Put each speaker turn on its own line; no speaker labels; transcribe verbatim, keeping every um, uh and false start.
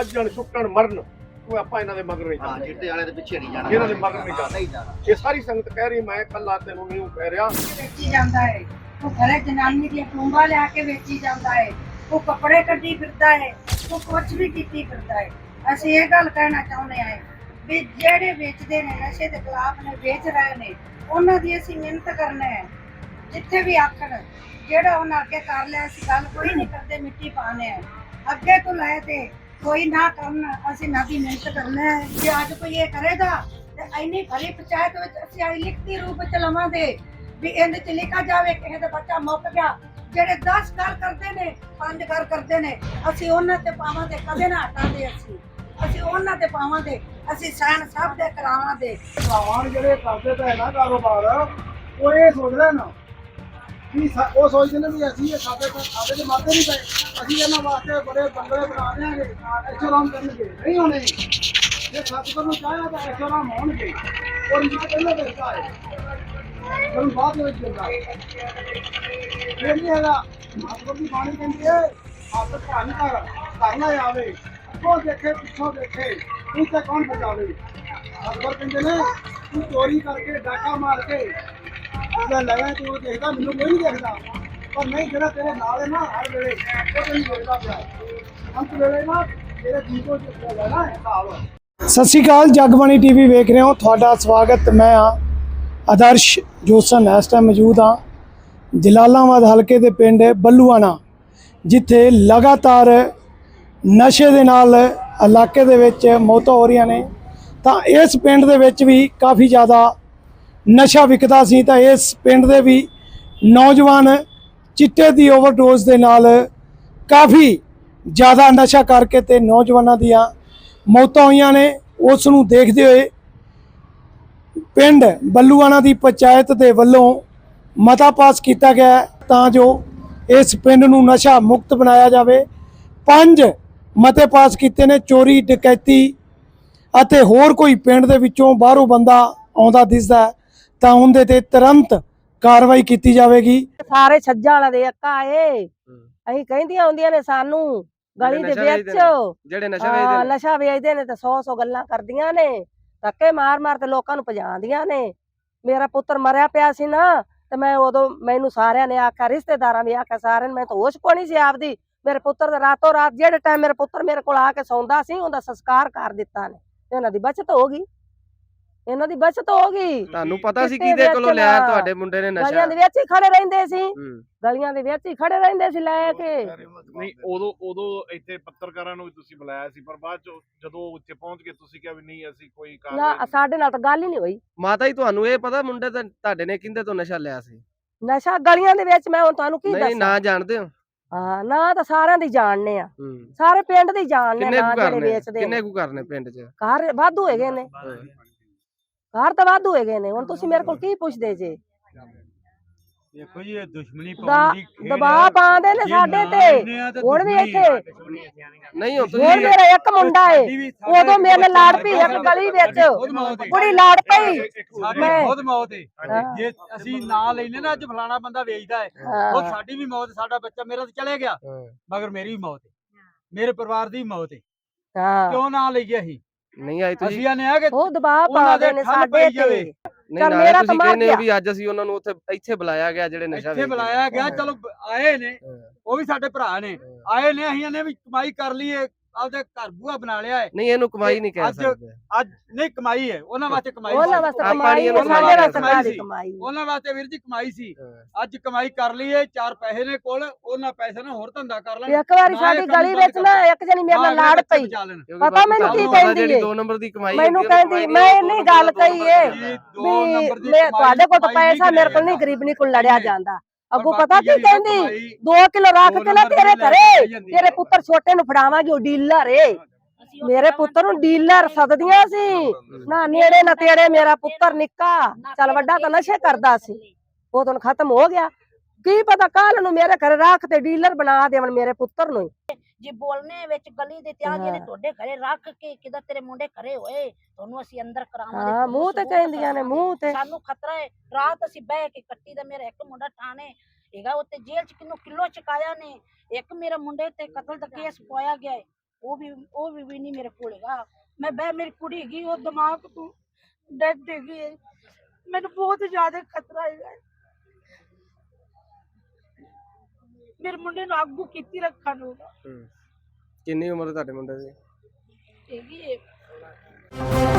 ਵੱਜਣ ਸੁੱਕਣ ਮਰਨ ਕੋਈ ਆਪਾਂ ਇਹਨਾਂ ਦੇ ਮਗਰ ਨਹੀਂ
ਹਾਂ
ਜਾਣਾ,
ਚਿੱਟੇ ਵਾਲੇ ਦੇ ਪਿੱਛੇ ਨਹੀਂ ਜਾਣਾ,
ਇਹਨਾਂ ਦੇ ਮਗਰ ਨਹੀਂ ਜਾਣਾ।
ਨਹੀਂ ਜਾਣਾ।
ਇਹ ਸਾਰੀ ਸੰਗਤ ਕਹਿ ਰਹੀ, ਮੈਂ ਇਕੱਲਾ ਤੈਨੂੰ ਨਹੀਂ ਕਹਿ ਰਿਹਾ।
ਵੇਚੀ ਜਾਂਦਾ ਹੈ ਉਹ ਘਰੇ ਜਨਾਨੀ ਦੀਆਂ ਟੂੰਬਾਂ ਲਿਆ ਕੇ ਵੇਚੀ ਜਾਂਦਾ ਹੈ, ਉਹ ਕੱਪੜੇ ਕੱਢੀ ਫਿਰਦਾ ਹੈ, ਉਹ ਕੁਝ ਵੀ ਕੀਤੀ ਫਿਰਦਾ ਹੈ। ਅਸੀਂ ਇਹ ਗੱਲ ਕਹਿਣਾ ਚਾਹੁੰਦੇ ਹਾਂ ਵੀ ਜਿਹੜੇ ਵੇਚਦੇ ਨੇ ਨਸ਼ੇ ਦੇ ਖਿਲਾਫ ਨੇ ਵੇਚ ਰਹੇ ਨੇ ਉਹਨਾਂ ਦੀ ਅਸੀਂ ਮਿਹਨਤ ਕਰਨਾ ਹੈ। ਜਿੱਥੇ ਵੀ ਆਖਣ ਜਿਹੜਾ ਉਹਨਾਂ ਅੱਗੇ ਕਰ ਲਿਆ ਅਸੀਂ ਗੱਲ ਕੋਈ ਨਹੀਂ ਕਰਦੇ, ਮਿੱਟੀ ਪਾਣੇ ਹੈ ਅੱਗੇ ਤੋਂ ਲੈ ਤੇ ਕੋਈ ਨਾ ਕਰਨ, ਅਸੀਂ ਨਾ ਦੀ ਮਿਹਨਤ ਕਰਨਾ ਹੈ। ਜੇ ਅੱਜ ਕੋਈ ਇਹ ਕਰੇਗਾ ਤੇ ਇੰਨੀ ਭਰੀ ਪੰਚਾਇਤ ਵਿੱਚ ਅਸੀਂ ਆਈ ਲਿਖਤੀ ਰੂਪ ਵਿੱਚ ਲਵਾਂਗੇ ਵੀ ਇਹਦੇ ਚ ਲਿਖਾ ਜਾਵੇ ਕਿਸੇ ਦਾ ਬੱਚਾ ਮੁੱਕ ਗਿਆ। ਜਿਹੜੇ ਦਸ ਘਰ ਕਰਦੇ ਨੇ ਪੰਜ ਘਰ ਕਰਦੇ ਨੇ ਅਸੀਂ ਉਹਨਾਂ ਤੇ ਪਾਵਾਂਗੇ, ਕਦੇ ਨਾ ਹਟਾਂਗੇ। ਅਸੀਂ ਅਸੀਂ ਉਹਨਾਂ ਤੇ ਪਾਵਾਂਗੇ, ਅਸੀਂ ਸਹਿਣ ਸਭ ਦੇ ਕਰਾਵਾਂਗੇ।
ਭਰਾਵਾਂ ਜਿਹੜੇ ਕਰਦੇ ਪਏ ਨਾ ਕਾਰੋਬਾਰ ਉਹ ਇਹ ਸੋਚਦੇ ਨਾ ਵੀ ਉਹ ਸੋਚਦੇ ਨੇ ਵੀ ਅਸੀਂ ਇਹ ਸਾਡੇ ਸਾਡੇ ਤੇ ਮਰਦੇ ਨਹੀਂ ਪਏ, ਅਸੀਂ ਇਹਨਾਂ ਵਾਸਤੇ ਬੜੇ ਬੰਗਲੇ ਬਣਾ ਦਿਆਂਗੇ, ਐਸ਼ੋਰਾਮ ਕਰਨਗੇ। ਨਹੀਂ ਹੋਣੇ, ਜੇ ਸਤਿਗੁਰ ਨੂੰ ਚਾਹਿਆ ਤਾਂ ਐਸ਼ੋਰਾਮ ਹੋਣਗੇ। ਔਰ ਮੈਂ ਪਹਿਲਾਂ ਦੱਸਦਾ ਹੈ ਤੁਹਾਨੂੰ ਬਾਅਦ ਵਿੱਚ ਦਿੰਦਾ ਇਹ ਨਹੀਂ ਹੈਗਾ। ਸਤਿਗੁਰ ਦੀ ਬਾਣੀ ਕਹਿੰਦੀ ਹੈ ਹੱਥ ਧੰਨ ਕਰ ਘਰ ਨਾ ਆਵੇ, ਅੱਗੋਂ ਦੇਖੇ ਪਿੱਛੋਂ ਦੇਖੇ ਤੂੰ ਤੇ ਕੌਣ ਬਚਾਵੇ। ਸਤਿਗੁਰ ਕਹਿੰਦੇ ਨੇ ਤੂੰ ਚੋਰੀ ਕਰਕੇ ਡਾਕਾ ਮਾਰ ਕੇ ਜੇ ਲਵੇ ਤੂੰ ਦੇਖਦਾ ਮੈਨੂੰ ਕੋਈ ਨਹੀਂ ਦੇਖਦਾ, ਪਰ ਨਹੀਂ ਜਿਹੜਾ ਤੇਰੇ ਨਾਲ ਹੈ ਨਾ ਹਰ ਵੇਲੇ ਉਹ ਤੈਨੂੰ ਦੇਖਦਾ ਪਿਆ। ਅੰਤ ਵੇਲੇ ਨਾ ਤੇਰੇ ਜੀਵੋ ਚ ਲੈਣਾ ਹਿਸਾਬ। ਸਤਿ ਸ਼੍ਰੀ ਅਕਾਲ, ਜਗਬਾਣੀ ਟੀਵੀ ਵੇਖ ਰਹੇ ਹੋ, ਤੁਹਾਡਾ ਸਵਾਗਤ। ਮੈਂ ਹਾਂ ਆਦਰਸ਼ ਜੋਸਨ। ਇਸ ਟਾਈਮ ਮੌਜੂਦ ਹਾਂ ਜਲਾਲਾਬਾਦ ਹਲਕੇ ਦੇ ਪਿੰਡ ਬੱਲੂਆਣਾ, ਜਿੱਥੇ ਲਗਾਤਾਰ ਨਸ਼ੇ ਦੇ ਨਾਲ ਇਲਾਕੇ ਦੇ ਵਿੱਚ ਮੌਤਾਂ ਹੋ ਰਹੀਆਂ ਨੇ। ਤਾਂ ਇਸ ਪਿੰਡ ਦੇ ਵਿੱਚ ਵੀ ਕਾਫੀ ਜ਼ਿਆਦਾ ਨਸ਼ਾ ਵਿਕਦਾ ਸੀ, ਤਾਂ ਇਸ ਪਿੰਡ ਦੇ ਵੀ ਨੌਜਵਾਨ ਚਿੱਟੇ ਦੀ ਓਵਰਡੋਜ਼ ਦੇ ਨਾਲ ਕਾਫੀ ਜ਼ਿਆਦਾ ਨਸ਼ਾ ਕਰਕੇ ਤੇ ਨੌਜਵਾਨਾਂ ਦੀਆਂ ਮੌਤਾਂ ਹੋਈਆਂ ਨੇ। ਉਸ ਨੂੰ ਦੇਖਦੇ ਹੋਏ ਪਿੰਡ ਬੱਲੂਆਣਾ ਦੀ ਪੰਚਾਇਤ ਦੇ ਵੱਲੋਂ ਮਤਾ ਪਾਸ ਕੀਤਾ ਗਿਆ ਤਾਂ ਜੋ ਇਸ ਪਿੰਡ ਨੂੰ ਨਸ਼ਾ ਮੁਕਤ ਬਣਾਇਆ ਜਾਵੇ। ਪੰਜ ਮਤੇ ਪਾਸ ਕੀਤੇ ਨੇ। ਚੋਰੀ ਡਕੈਤੀ ਅਤੇ ਹੋਰ ਕੋਈ ਪਿੰਡ ਦੇ ਵਿੱਚੋਂ ਬਾਹਰੋਂ ਬੰਦਾ ਆਉਂਦਾ ਦਿਸਦਾ ਤਾਂ ਉਹਦੇ ਤੇ ਤੁਰੰਤ ਕਾਰਵਾਈ ਕੀਤੀ ਜਾਵੇਗੀ।
ਸਾਰੇ ਛੱਜਾਂ ਵਾਲਾ ਦੇ ਅੱਕਾ ਏ, ਅਸੀਂ ਕਹਿੰਦੀਆਂ ਹੁੰਦੀਆਂ ਨੇ ਸਾਨੂੰ ਗਲੀ ਦੇ ਵਿੱਚ
ਜਿਹੜੇ ਨਸ਼ਾ ਵੇਚਦੇ ਨੇ
ਨਸ਼ਾ ਵੇਚਦੇ ਨੇ ਤੇ ਸੌ ਸੌ ਗੱਲਾਂ ਕਰਦੀਆਂ ਨੇ, ਧੱਕੇ ਮਾਰ ਮਾਰ ਤੇ ਲੋਕਾਂ ਨੂੰ ਭਜਾਉਂਦੀਆਂ ਨੇ। ਮੇਰਾ ਪੁੱਤਰ ਮਰਿਆ ਪਿਆ ਸੀ ਨਾ ਤੇ ਮੈਂ ਉਦੋਂ ਮੈਨੂੰ ਸਾਰਿਆਂ ਨੇ ਆਖਿਆ, ਰਿਸ਼ਤੇਦਾਰਾਂ ਵੀ ਆਖਿਆ, ਸਾਰਿਆਂ ਨੇ, ਮੈਂ ਤਾਂ ਹੋਸ਼ ਕੋਣੀ ਸੀ ਆਪਦੀ। ਮੇਰੇ ਪੁੱਤਰ ਦਾ ਰਾਤੋਂ ਰਾਤ ਜਿਹੜੇ ਟਾਈਮ ਮੇਰੇ ਪੁੱਤਰ ਮੇਰੇ ਕੋਲ ਆ ਕੇ ਸੌਂਦਾ ਸੀ ਉਹਦਾ ਸੰਸਕਾਰ ਕਰ ਦਿੱਤਾ ਨੇ। ਇਹਨਾਂ ਦੀ ਬਚਤ ਹੋ ਗਈ, ਇਹਨਾਂ ਦੀ ਬਚਤ ਹੋ ਗਈ।
ਤੁਹਾਨੂੰ ਪਤਾ ਸੀ ਕਿਹਦੇ ਕੋਲੋਂ ਲਿਆ ਤੁਹਾਡੇ ਮੁੰਡੇ ਨੇ ਨਸ਼ਾ?
ਗਲੀਆਂ ਦੇ ਵਿੱਚ ਹੀ ਖੜੇ ਰਹਿੰਦੇ ਸੀ, ਗਲੀਆਂ ਦੇ ਵਿੱਚ ਹੀ ਖੜੇ ਰਹਿੰਦੇ ਸੀ ਲੈ ਕੇ।
ਨਹੀਂ ਉਦੋਂ ਉਦੋਂ ਇੱਥੇ ਪੱਤਰਕਾਰਾਂ ਨੂੰ ਵੀ ਤੁਸੀਂ ਬੁਲਾਇਆ ਸੀ, ਪਰ ਬਾਅਦ ਚ ਜਦੋਂ ਉੱਥੇ ਪਹੁੰਚ ਕੇ ਤੁਸੀਂ ਕਿਹਾ ਵੀ ਨਹੀਂ ਅਸੀਂ ਕੋਈ
ਨਾ,
ਕਾਰਵਾਈ।
ਸਾਡੇ ਨਾਲ ਤਾਂ ਗੱਲ ਹੀ ਨਹੀਂ ਹੋਈ।
ਮਾਤਾ ਜੀ ਤੁਹਾਨੂੰ ਇਹ ਪਤਾ ਮੁੰਡੇ ਤੇ ਤੁਹਾਡੇ ਨੇ ਕਿਹਦੇ ਤੋਂ ਨਸ਼ਾ ਲਿਆ ਸੀ?
ਨਸ਼ਾ ਗਲੀਆਂ ਦੇ ਵਿੱਚ ਮੈਂ ਹੁਣ ਤੁਹਾਨੂੰ ਕੀ
ਨਹੀਂ
ਦੱਸਾਂ?
ਨਾ ਜਾਣਦੇ ਹੋ?
ਹਾਂ, ਨਾ ਤਾਂ ਸਾਰਿਆਂ ਦੀ ਜਾਣਨੇ ਆ, ਸਾਰੇ ਪਿੰਡ ਦੀ ਜਾਣਨੇ
ਕਿੰਨੇ
ਨਾ
ਕੁ
ਜਿਹੜੇ
ਕਰਨੇ
ਵੇਚਦੇ
ਕਿੰਨੇ
ਨੇ।
ਕੁ ਕਰਨੇ ਪਿੰਡ 'ਚ?
ਘਰ ਵਾਧੂ ਹੈਗੇ ਨੇ, ਘਰ ਤਾਂ ਵਾਧੂ ਹੈਗੇ ਨੇ। ਹੁਣ ਤੁਸੀਂ ਮੇਰੇ ਕੋਲ ਕੀ ਪੁੱਛਦੇ ਜੇ?
ਦੇਖੋ ਜੀ ਇਹ ਦੁਸ਼ਮਣੀ
ਦਾ
ਪਾਉਣ ਦੀ ਖੇਡ
ਦਬਾਅ ਪਾਉਂਦੇ ਨੇ ਸਾਡੇ ਤੇ। ਹੁਣ ਵੀ ਇੱਥੇ
ਨਹੀਂ ਹੋ
ਹੁਣ
ਤੁਸੀਂ
ਮੇਰਾ ਇੱਕ ਮੁੰਡਾ ਏ, ਉਦੋਂ ਮੇਰੇ ਨਾਲ ਲੜ ਪਈ ਇੱਕ ਗਲੀ ਵਿੱਚ, ਕੁੜੀ ਲੜ ਪਈ। ਮੈਂ
ਬਹੁਤ ਮੌਤ ਹੈ।
ਹਾਂ।
ਜੇ ਅਸੀਂ ਨਾਂ ਲੈਨੇ ਨਾ ਅੱਜ ਫਲਾਣਾ ਬੰਦਾ ਵੇਚਦਾ ਹੈ, ਉਹ ਸਾਡੀ ਵੀ ਮੌਤ, ਸਾਡਾ ਬੱਚਾ ਮੇਰਾ ਤਾਂ ਚਲੇ ਗਿਆ ਮਗਰ ਮੇਰੀ ਵੀ ਮੌਤ ਹੈ, ਮੇਰੇ ਪਰਿਵਾਰ ਦੀ ਮੌਤ ਹੈ।
ਹਾਂ,
ਕਿਉਂ ਨਾਂ ਲਈਏ ਅਸੀਂ?
ਨਹੀਂ ਆਏ ਤੁਸੀਂ?
ਅਸੀਂ ਆਨੇ ਆ ਕਿ
ਉਹ ਦਬਾਅ
ਉਹਨਾਂ
ਪਾਉਂਦੇ
ਦੇ
ਨੇ
ਠੱਲ
ਸਾਡੇ
ਪਈ
ਤੇ।
ਜਾਵੇ।
ਨਹੀਂ
ਚੱਲ
ਨਾਲੇ
ਮੇਰਾ ਤਾਂ
ਤੁਸੀਂ
ਮਰ
ਕਹਿੰਦੇ ਹੋ
ਗਿਆ।
ਵੀ ਅੱਜ ਅਸੀਂ ਉਹਨਾਂ ਨੂੰ ਉੱਥੇ ਇੱਥੇ ਬੁਲਾਇਆ ਗਿਆ ਜਿਹੜੇ ਨਸ਼ਾ
ਇੱਥੇ
ਵੇਚਦੇ
ਬੁਲਾਇਆ ਗਿਆ, ਚਲੋ ਆਏ ਨੇ, ਉਹ ਵੀ ਸਾਡੇ ਭਰਾ ਨੇ, ਆਏ ਨੇ, ਅਸੀਂ ਇਹਨੇ ਵੀ ਕਮਾਈ ਕਰ ਲਈਏ, ਆਪਦੇ ਘਰ ਬੂਆ ਬਣਾ ਲਿਆ ਹੈ।
ਨਹੀਂ ਇਹਨੂੰ ਕਮਾਈ ਨਹੀਂ ਕਹਿ
ਅੱਜ-
ਸਕਦੇ।
ਅੱਜ ਨਹੀਂ ਕਮਾਈ ਹੈ, ਉਹਨਾਂ ਵਾਸਤੇ ਕਮਾਈ
ਉਹਨਾਂ
ਸੀ।
ਵਾਸਤੇ
ਆਪਾਂ
ਕਮਾਈ ਹੈ,
ਨਹੀਂ
ਸਾਡੇ
ਉਹਨਾਂ
ਵਾਸਤੇ
ਕਮਾਈ
ਕਾਹਦੀ
ਸੀ।
ਕਮਾਈ?
ਉਹਨਾਂ ਵਾਸਤੇ ਵੀਰ ਜੀ ਕਮਾਈ ਸੀ। ਅੱਜ ਕਮਾਈ ਕਰ ਲਈਏ, ਚਾਰ ਪੈਸੇ ਨੇ ਕੋਲ, ਉਹਨਾਂ ਪੈਸੇ ਨਾਲ ਹੋਰ ਧੰਦਾ ਕਰ ਲੈਣ।
ਇੱਕ ਵਾਰੀ ਸਾਡੀ ਗਲੀ ਵਿੱਚ ਨਾ ਇੱਕ ਜਣੀ ਮੇਰੇ ਨਾਲ ਲੜ ਪਈ,
ਕਿਉਂਕਿ
ਪਤਾ
ਬਾਪੂ
ਮੈਨੂੰ ਕੀ
ਤੁਹਾਨੂੰ ਪਤਾ
ਕਹਿੰਦੀ
ਜਿਹੜੀ
ਏ?
ਦੋ ਨੰਬਰ ਦੀ ਕਮਾਈ
ਮੈਨੂੰ
ਹੁੰਦੀ ਹੈ,
ਕਹਿੰਦੀ,
ਕਮਾਈ
ਮੈਂ
ਦੋ
ਨਹੀਂ
ਨੰਬਰ
ਗੱਲ
ਦਾ ਦੋ
ਕਹੀ
ਨੰਬਰ
ਏ
ਦਾ।
ਦੋ ਨੰਬਰ ਦੀ
ਮੈਂ
ਕਮਾਈ-
ਤੁਹਾਡੇ ਕੋਲ ਤਾਂ
ਕਮਾਈ
ਪੈਸਾ
ਨਹੀਂ
ਮੇਰੇ ਕੋਲ ਨਹੀਂ,
ਗਿਣਿਆ
ਗਰੀਬਣੀ ਕੋਲ ਲੜਿਆ ਜਾਂਦਾ। ਅੱਗੋਂ
ਬਾਕੀ
ਪਤਾ ਕੀ
ਜਿਹੜੀ
ਕਹਿੰਦੀ,
ਕਮਾਈ
ਦੋ ਕਿਲੋ ਰੱਖ
ਦੋ
ਕੇ ਨਾ
ਨੰਬਰ
ਤੇਰੇ
ਦੀ ਲੈ
ਘਰੇ
ਕੇ ਜਾਂਦੀ
ਤੇਰੇ
ਹੈ।
ਪੁੱਤਰ ਛੋਟੇ ਨੂੰ ਫੜਾਵਾਂਗੀ, ਉਹ ਡੀਲਰ ਏ। ਮੇਰੇ ਪੁੱਤਰ ਨੂੰ ਡੀਲਰ ਸਦਦੀਆਂ ਸੀ ਨਾ, ਨੇੜੇ ਨਾ ਤੇੜੇ। ਮੇਰਾ ਪੁੱਤਰ ਨਿੱਕਾ ਚੱਲ ਵੱਡਾ ਤਾਂ ਨਸ਼ੇ ਕਰਦਾ ਸੀ, ਉਹ ਤਾਂ ਖਤਮ ਹੋ ਗਿਆ। ਕੀ ਪਤਾ ਕੱਲ ਨੂੰ ਮੇਰੇ ਘਰੇ ਰੱਖ ਤੇ ਡੀਲਰ ਬਣਾ ਦੇਵਣ ਮੇਰੇ ਪੁੱਤਰ ਨੂੰ।
ਜੀ ਬੋਲਨੇ ਵਿੱਚ ਗਲੀ ਦੇ ਤਿਆ ਜਿਹੜੇ ਤੁਹਾਡੇ ਘਰੇ ਰੱਖ ਕੇ ਕਿਦਾ ਤੇਰੇ ਮੁੰਡੇ ਘਰੇ ਹੋਏ, ਤੁਹਾਨੂੰ ਅਸੀਂ ਅੰਦਰ ਕਰਾਵਾਂਗੇ।
ਹਾਂ, ਮੂੰਹ ਤੇ ਕਹਿੰਦੀਆਂ ਨੇ, ਮੂੰਹ ਤੇ।
ਸਾਨੂੰ ਖਤਰਾ ਹੈ। ਰਾਤ ਅਸੀਂ ਬਹਿ ਕੇ ਕੱਟੀ ਦਾ, ਮੇਰਾ ਇੱਕ ਮੁੰਡਾ ਥਾਣੇ ਹੈਗਾ, ਉੱਤੇ ਜੇਲ੍ਹ ਚ ਕਿੰਨੂ ਕਿਲੋ ਚਕਾਇਆ ਨੇ। ਇੱਕ ਮੇਰੇ ਮੁੰਡੇ ਤੇ ਕਤਲ ਦਾ ਕੇਸ ਪਾਇਆ ਗਿਆ ਹੈ। ਉਹ ਵੀ ਉਹ ਵੀ ਨਹੀਂ ਮੇਰੇ ਕੋਲ ਹੈਗਾ। ਮੈਂ ਬਹਿ ਮੇਰੀ ਕੁੜੀ ਹੈਗੀ ਉਹ ਦਿਮਾਗ ਤੋਂ ਡੈਡ ਹੈਗੀ ਹੈ। ਮੈਨੂੰ ਬਹੁਤ ਜ਼ਿਆਦਾ ਖਤਰਾ ਹੈਗਾ। ਮੇਰੇ ਮੁੰਡੇ ਨੂੰ ਆਗੂ ਕੀਤੀ ਰੱਖਣ ਨੂੰ
ਕਿੰਨੀ ਉਮਰ ਤੁਹਾਡੇ ਮੁੰਡੇ ਦੀ?
ਹੈਗੀ ਹੈ